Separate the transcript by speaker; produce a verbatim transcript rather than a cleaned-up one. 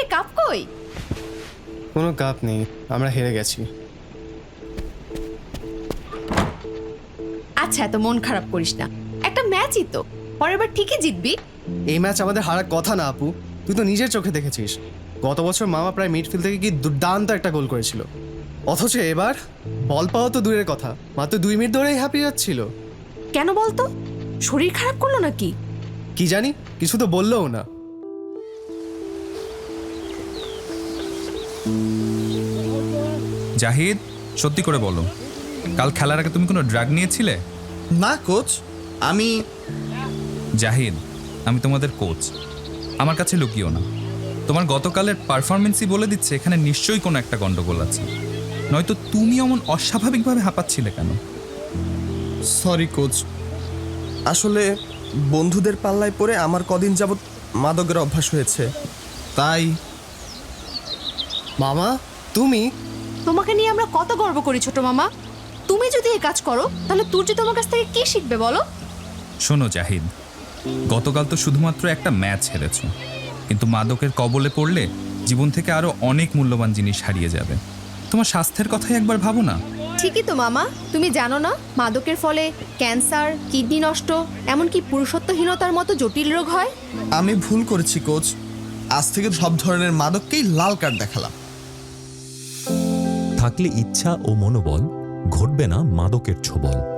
Speaker 1: Cup কই?
Speaker 2: কোনো cup নেই, আমরা হেরে গেছি।
Speaker 1: আচ্ছা, এত মন খারাপ করিস না, একটা ম্যাচই তো, পরের বার ঠিকই জিতবি।
Speaker 2: এই ম্যাচ আমাদের হারার কথা না আপু, তুই তো নিজের চোখে দেখেছিস। গত বছর মামা প্রায় মিডফিল্ড থেকে কি দুর্দান্ত একটা গোল করেছিল, অথচ এবার বল পাওয়া তো দূরের কথা, মাত্র দুই মিনিট ধরেই হ্যাপি যাচ্ছিল।
Speaker 1: কেন বলতো? শরীর খারাপ করলো নাকি?
Speaker 2: কি জানি, কিছু তো বললোও না।
Speaker 3: জাহিদ, সত্যি করে বলো, কাল খেলার আগে তুমি কোনো ড্রাগ নিয়েছিলে?
Speaker 4: না কোচ, আমি
Speaker 3: জাহিদ, আমি তোমাদের কোচ, আমার কাছে লুকিও না। তোমার গতকালের পারফরমেন্সই বলে দিচ্ছে এখানে নিশ্চয়ই কোনো একটা গন্ডগোল আছে, নয়তো তুমি এমন অস্বাভাবিকভাবে হাঁপাচ্ছিলে কেন?
Speaker 4: সরি কোচ, আসলে বন্ধুদের পাল্লায় পড়ে আমার কদিন যাবৎ মাদকের অভ্যাস হয়েছে, তাই।
Speaker 2: মামা তুমি?
Speaker 1: তোমাকে নিয়ে আমরা কত গর্ব করি ছোট মামা, তুমি যদি এই কাজ করো তাহলে তুর্য তোমার কাছ থেকে কি শিখবে বলো?
Speaker 3: শোনো জাহিদ, গতকাল তো শুধুমাত্র একটা ম্যাচ হেরেছ, কিন্তু মাদকের কবলে পড়লে জীবন থেকে আরো অনেক মূল্যবান জিনিস হারিয়ে যাবে। তোমার স্বাস্থ্যের কথাই একবার ভাবো না।
Speaker 1: ঠিকই তো মামা, তুমি জানো না মাদকের ফলে ক্যান্সার, কিডনি নষ্ট, এমনকি পুরুষত্বহীনতার মতো জটিল রোগ হয়।
Speaker 4: আমি ভুল করেছি কোচ, আজ থেকে সব ধরনের মাদককেই লাল কার্ড দেখালাম।
Speaker 5: থাকলে ইচ্ছা ও মনোবল, ঘটবে না মাদকের ছোবল।